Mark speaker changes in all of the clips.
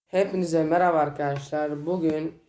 Speaker 1: Hepinize merhaba arkadaşlar. Bugün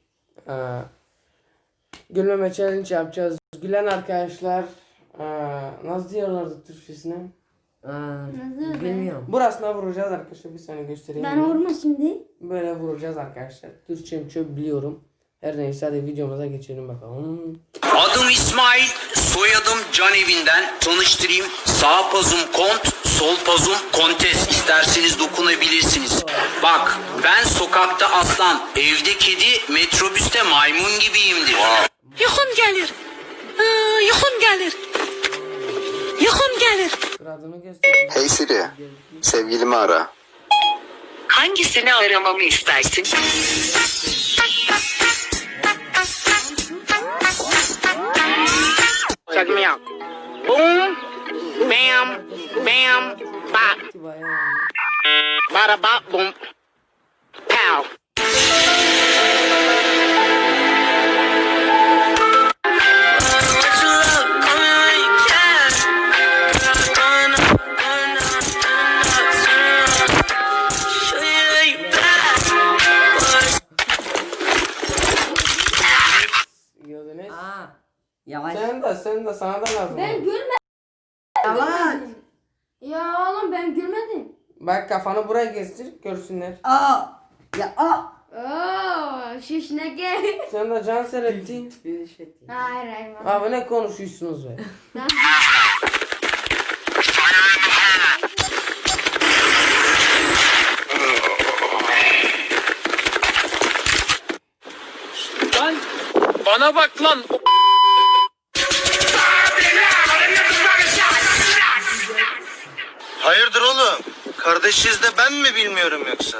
Speaker 1: gülmeme challenge yapacağız. Gülen arkadaşlar nasıl diyorlardı Türkçesine?
Speaker 2: Bilmiyorum.
Speaker 1: Burasına vuracağız arkadaşlar. Bir saniye göstereyim.
Speaker 3: Ben vurma şimdi.
Speaker 1: Böyle vuracağız arkadaşlar. Türkçem çok biliyorum. Her neyse hadi videomuza geçelim bakalım.
Speaker 4: Adım İsmail, soyadım Canevinden. Tanıştırayım. Sağ pazum kont, sol pazum kontes. İsterseniz dokunabilirsiniz. Bak, ben sokakta aslan, evde kedi, metrobüste maymun gibiyimdir.
Speaker 5: Yuxum gelir. Yuxum gelir. Yuxum gelir.
Speaker 1: Adını göstereyim.
Speaker 6: Hey Siri, sevgilimi ara.
Speaker 5: Hangisini aramamı istersin?
Speaker 4: Check me out. Boom, bam, bam, bop. Bada bop, boom, pow.
Speaker 1: Gördünüz.
Speaker 2: Yavaş.
Speaker 1: Sen de sana da lazım.
Speaker 3: Ben gülmedim.
Speaker 2: Yavaş.
Speaker 3: Ya oğlum ben gülmedim.
Speaker 1: Bak kafanı buraya gezdir görsünler.
Speaker 2: Ya
Speaker 3: Oo, şişneke.
Speaker 1: Sen de can seyrettin.
Speaker 3: Hayır.
Speaker 1: Abi ne konuşuyorsunuz be?
Speaker 4: Lan, bana bak lan.
Speaker 6: Hayırdır oğlum? Kardeşiz de ben mi bilmiyorum yoksa?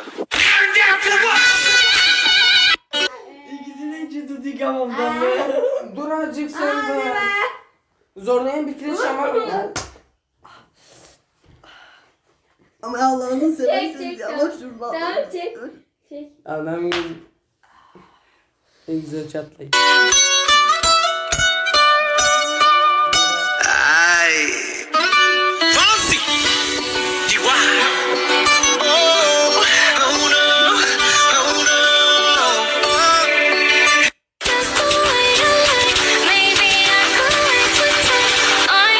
Speaker 2: İkisini içi tutuk hamamdan be.
Speaker 1: Dur azıcık sen de. Zorlayan bir kireç ama.
Speaker 2: Ama Allah'ını seversen
Speaker 3: Çek,
Speaker 2: yavaş
Speaker 3: tamam.
Speaker 2: dur lan.
Speaker 3: Tamam, çek. Çek.
Speaker 1: Adam gibi. En güzel çatlayın.
Speaker 6: Ay.
Speaker 4: Fancy. Diwa.
Speaker 6: Oh, oh no, oh no.
Speaker 7: Just the way you like, maybe I could wait to take on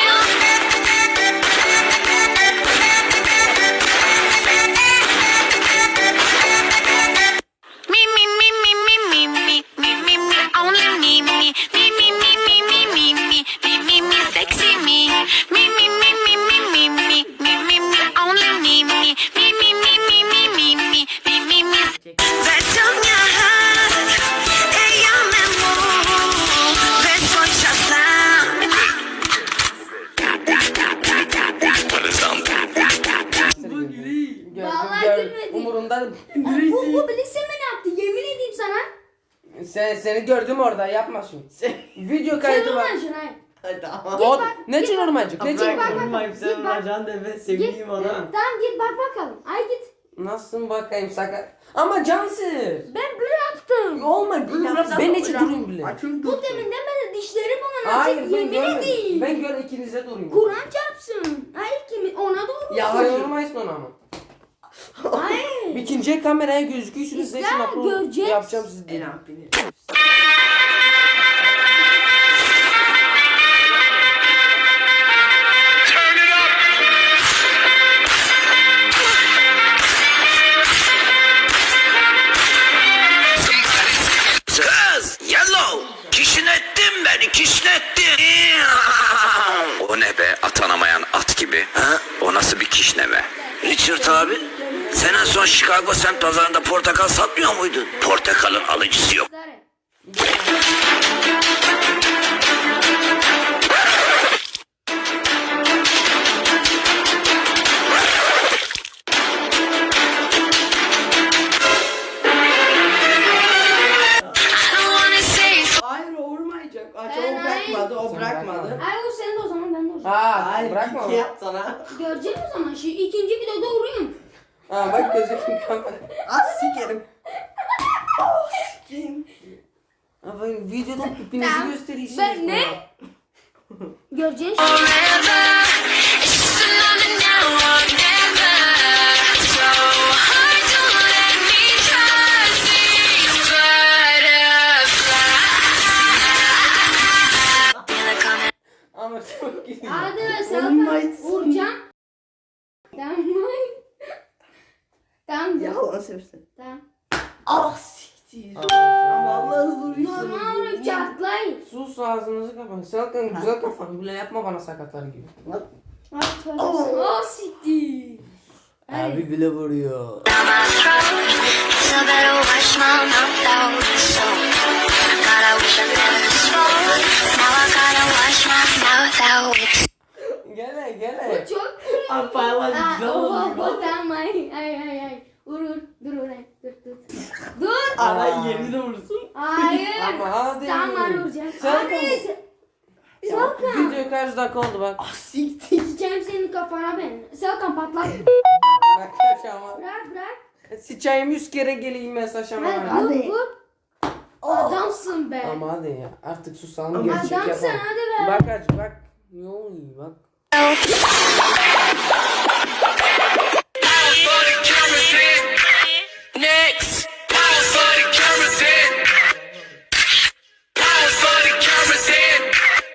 Speaker 7: me, me, me, me, me, me, me, me, me, me, only me, me, me, me, me, me, me, me, me, me, me, me, sexy me, me, me, me, me, me, me, me, me, me, me, only me, me, me, me, me, me, me, me, me, me, me, me. Zaciągniach, ja memu, bezpościa sam.
Speaker 3: Vallahi gülmedim.
Speaker 1: Umurumda.
Speaker 3: Bu bilirse ne yaptı? Yemin edeyim sana.
Speaker 1: Seni gördüm orada yapma şimdi. Video
Speaker 3: Sen
Speaker 1: kaydı var.
Speaker 3: olmayacaksın hayır.
Speaker 2: Hadi tamam.
Speaker 1: O ne için ormancık? Ne için?
Speaker 2: Bırak vurmayayım sen bacağın deme sevdiğim adam.
Speaker 3: Tamam git bak bakalım. Ay git.
Speaker 1: Nasılsın bakayım sakın. Ama cansız.
Speaker 3: Ben böyle yaptım.
Speaker 1: Olma. Ben için durayım bile.
Speaker 3: Bu deminden beri dişlerim ona
Speaker 1: Hayır
Speaker 3: açık
Speaker 1: ben
Speaker 3: yemin
Speaker 1: görmedim.
Speaker 3: edeyim.
Speaker 1: Ben gör ikinize durayım.
Speaker 3: Kur'an çarpsın. Hayır kimi ona doğru.
Speaker 1: Ya hayır olmayız ona ama.
Speaker 3: Hayır.
Speaker 1: İkinci kameraya gözüküyorsunuz.
Speaker 3: İster, göreceğiz.
Speaker 1: Yapacağım sizi
Speaker 2: En
Speaker 1: diye.
Speaker 2: abini.
Speaker 4: Kız, yellow. Kişnettin beni, kişnettin. O ne be, atanamayan at gibi. Ha? O nasıl bir kişneme? Richard abi, sen en son Chicago semt pazarında portakal satmıyor muydun? Portakalın alıcısı yok.
Speaker 7: I don't wanna say
Speaker 2: Hayır o vurmayacak. Aç
Speaker 3: Ben
Speaker 2: o bırakmadı o bırakmadı.
Speaker 3: Ay o senin de o zaman ben de o zaman.
Speaker 1: Ha bırakma.
Speaker 2: iki yap sana.
Speaker 3: Göreceğiz o zaman. Şu ikinci videoda vurayım.
Speaker 1: Ha bak gözüküyor kamera.
Speaker 2: Az sikerim. Kim?
Speaker 1: Ama videoda hepinizi
Speaker 3: Tamam.
Speaker 1: gösteriyorsunuz.
Speaker 3: Ben ne? Göreceğiz.
Speaker 7: forever. It's just another now or never. So hard to let me try.
Speaker 2: Allah'ını seversen.
Speaker 3: Tamam.
Speaker 2: Ah siktir. Vallahi vuruyorsun.
Speaker 3: Normal vurup çatlayın.
Speaker 1: Sus ağzınızı kapatın. Selkan güzel kafanı böyle yapma bana sakatlar gibi.
Speaker 3: Ay tövbe. Oh siktir.
Speaker 1: Abi bile vuruyor.
Speaker 7: Down my throat, so better wash my mouth out with soap. God, I wish I never spoke. Now I gotta wash my mouth out with
Speaker 1: Gele.
Speaker 3: Çok
Speaker 2: Abi paylaş güzel oluyor.
Speaker 3: tamam ay. Vur. Dur oraya. Dur. Dur.
Speaker 2: Ara yeri de vursun.
Speaker 3: Hayır.
Speaker 1: Ama hadi.
Speaker 3: Tamam vuracağım.
Speaker 1: Sen
Speaker 3: Hadi. Selkan.
Speaker 1: Video kaç dakika oldu bak.
Speaker 2: Ah siktir.
Speaker 3: Sıçayım senin kafana ben. Selkan patlat.
Speaker 1: Bak kaç ama.
Speaker 3: Bırak.
Speaker 1: Sıçayım 100 kere geleyim mesaj ama.
Speaker 3: Hadi vur. Adamsın be.
Speaker 1: Ama hadi ya artık susalım gerçek
Speaker 3: Adamsın
Speaker 1: yapalım.
Speaker 3: hadi be.
Speaker 1: Bak hacı bak. Ne oluyor bak.
Speaker 4: Next. Power for the cameras in. Power for the cameras in.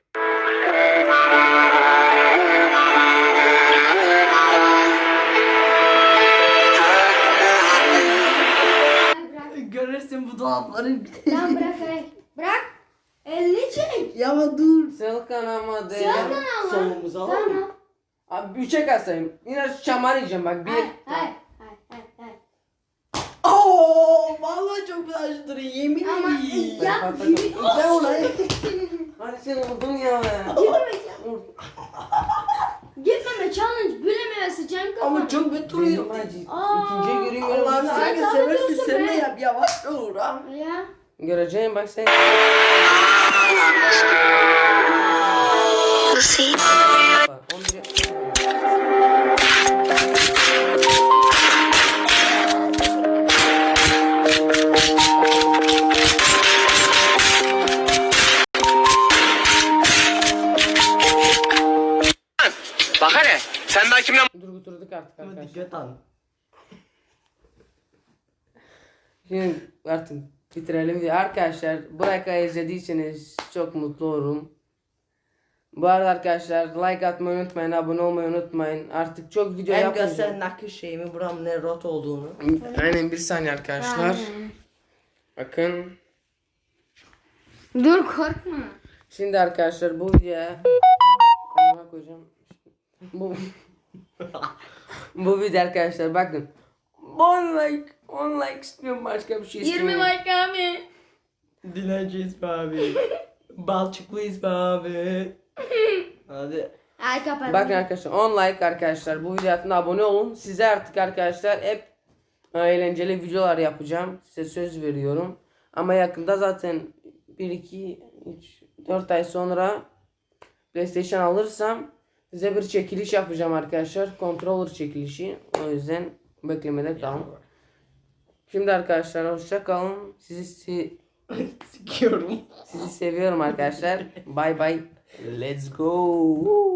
Speaker 3: Bırak.
Speaker 2: Görürsün bu dolapları.
Speaker 3: Lan bırak ay. Bırak. Elini çek.
Speaker 2: Ya ama dur.
Speaker 1: Selkan ama de.
Speaker 3: Selkan ama.
Speaker 2: Sonumuzu alalım.
Speaker 3: Tamam.
Speaker 1: Abi 3'e kalsayım. Yine şamar yiyeceğim bak. 1.
Speaker 3: Hay.
Speaker 2: Oo, vallahi çok güzel acıdır. Yemin
Speaker 3: Ama
Speaker 2: ederim.
Speaker 3: ya
Speaker 2: Ben oraya.
Speaker 1: Hadi sen vurdun ya be. Vur.
Speaker 3: gitmeme challenge büleme sıçayım kafana.
Speaker 2: Ama çok kötü
Speaker 1: Benim
Speaker 2: duruyor.
Speaker 1: acı.
Speaker 3: Aa.
Speaker 1: İkinciye göreyim.
Speaker 2: Allah'ını
Speaker 3: Sen
Speaker 2: sen
Speaker 3: daha
Speaker 2: seversin
Speaker 3: diyorsun
Speaker 2: sen
Speaker 3: be.
Speaker 2: de yap yavaş dur ha.
Speaker 3: Ya.
Speaker 1: Göreceğim bak sen.
Speaker 7: pussy.
Speaker 1: 11'e.
Speaker 6: Bak hele sen daha kimle
Speaker 1: Durduk artık
Speaker 2: Ama
Speaker 1: arkadaşlar.
Speaker 2: dikkat al.
Speaker 1: Şimdi artık bitirelim diye. Arkadaşlar buraya kadar izlediyseniz çok mutlu olurum. Bu arada arkadaşlar like atmayı unutmayın, abone olmayı unutmayın. Artık çok video
Speaker 2: Hem
Speaker 1: yapmayacağım.
Speaker 2: göster nakış şeyimi buram ne rot olduğunu.
Speaker 1: Aynen bir saniye arkadaşlar. Bakın.
Speaker 3: Dur korkma.
Speaker 1: Şimdi arkadaşlar bu videoya Amına koyacağım. Bu video arkadaşlar bakın. 10 like istiyorum, başka bir şey
Speaker 3: 20
Speaker 1: istemiyorum.
Speaker 3: like abi.
Speaker 2: Dilenciyiz be abi. Balçıklıyız be abi. Hadi.
Speaker 3: Ay kapat.
Speaker 1: Bakın arkadaşlar 10 like arkadaşlar, bu video altına abone olun. Size artık arkadaşlar hep eğlenceli videolar yapacağım. Size söz veriyorum. Ama yakında zaten 1, 2, 3, 4 ay sonra PlayStation alırsam size bir çekiliş yapacağım arkadaşlar. Controller çekilişi. O yüzden beklemede kalın. Şimdi arkadaşlar hoşça kalın.
Speaker 2: Sikiyorum.
Speaker 1: Sizi seviyorum arkadaşlar. Bye bye. Let's go.